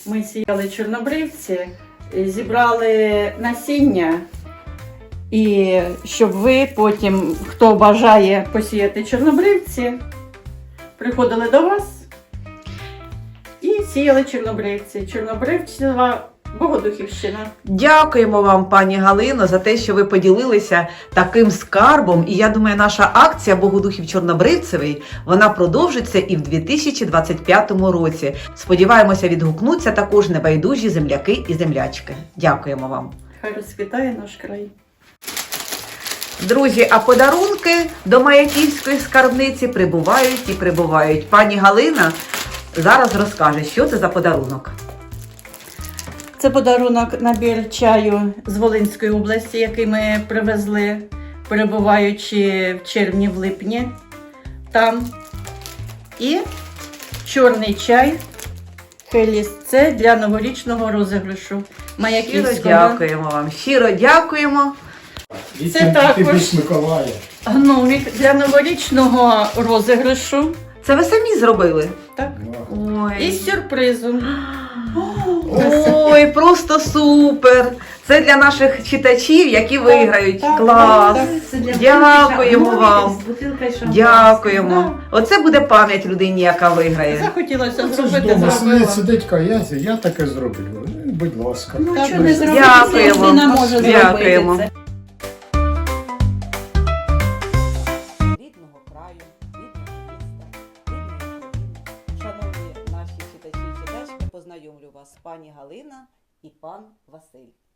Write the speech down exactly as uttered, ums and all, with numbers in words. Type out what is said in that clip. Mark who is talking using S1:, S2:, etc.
S1: Ми сіяли чорнобривці, зібрали насіння, і щоб ви потім, хто бажає посіяти чорнобривці, приходили до вас і сіяли чорнобривці. Чорнобривцева Богодухівщина.
S2: Дякуємо вам, пані Галино, за те, що ви поділилися таким скарбом. І я думаю, наша акція Богодухів Чорнобривцевий, вона продовжиться і в дві тисячі двадцять п'ятому році. Сподіваємося, відгукнуться також небайдужі земляки і землячки. Дякуємо вам.
S1: Хай розквітає наш край.
S2: Друзі, а подарунки до Маяківської скарбниці прибувають і прибувають. Пані Галина зараз розкаже, що це за подарунок.
S1: Це подарунок, набір чаю з Волинської області, який ми привезли, перебуваючи в червні, в липні там. І чорний чай Хеліс. Це для новорічного розіграшу Маяківського.
S2: Щиро дякуємо вам. Щиро дякуємо.
S1: Це також
S3: Миколая.
S1: гномик для новорічного розіграшу.
S2: Це ви самі зробили?
S1: Так.
S2: Ой.
S1: І з сюрпризом.
S2: Ой, просто супер! Це для наших читачів, які виграють.
S1: так,
S2: Клас!
S1: так,
S2: Дякуємо вам! Дякуємо!
S1: Да.
S2: Оце буде пам'ять людині, яка виграє.
S1: Захотілося
S3: Це ж
S1: зробити,
S3: вдома сидить,
S1: зробила.
S3: сидить каязі, я таке зроблю. Ну, будь ласка.
S1: Ну,
S3: Так,
S1: що
S3: ви
S1: не
S3: ж-
S1: зробити,
S2: Дякуємо.
S1: людина може
S2: Дякуємо.
S1: зробити це.
S2: Рідного краю, рідного міста, рідної країни. Шановні наші читачі і читачки, познайомлю вас з пані Галина і пан Василь.